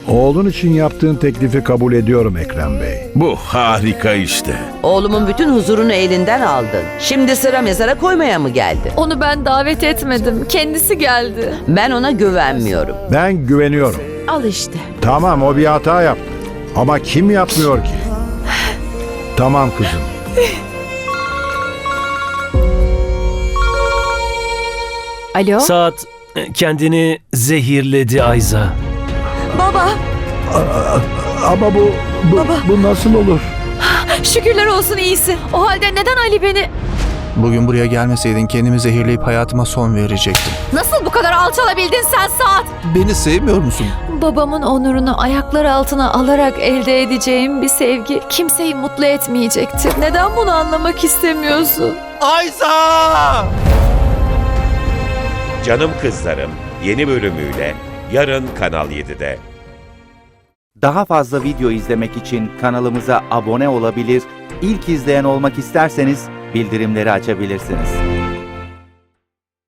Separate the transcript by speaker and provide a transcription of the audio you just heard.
Speaker 1: Oğlun için yaptığın teklifi kabul ediyorum Ekrem Bey.
Speaker 2: Bu harika işte.
Speaker 3: Oğlumun bütün huzurunu elinden aldın. Şimdi sıra mezara koymaya mı geldi?
Speaker 4: Onu ben davet etmedim. Kendisi geldi.
Speaker 3: Ben ona güvenmiyorum.
Speaker 1: Ben güveniyorum.
Speaker 4: Al işte.
Speaker 1: Tamam, o bir hata yaptı. Ama kim yapmıyor ki? Tamam kızım.
Speaker 4: Alo?
Speaker 5: Saat kendini zehirledi Ayza.
Speaker 4: Baba,
Speaker 1: Ama bu nasıl olur?
Speaker 4: şükürler olsun iyisin. O halde neden Ali beni...
Speaker 6: Bugün buraya gelmeseydin kendimi zehirleyip hayatıma son verecektim.
Speaker 4: Nasıl bu kadar alçalabildin sen Saat?
Speaker 6: Beni sevmiyor musun?
Speaker 4: Babamın onurunu ayaklar altına alarak elde edeceğim bir sevgi kimseyi mutlu etmeyecektir. Neden bunu anlamak istemiyorsun?
Speaker 6: Ayza!
Speaker 7: Canım Kızlarım yeni bölümüyle yarın Kanal 7'de.
Speaker 8: Daha fazla video izlemek için kanalımıza abone olabilir, ilk izleyen olmak isterseniz bildirimleri açabilirsiniz.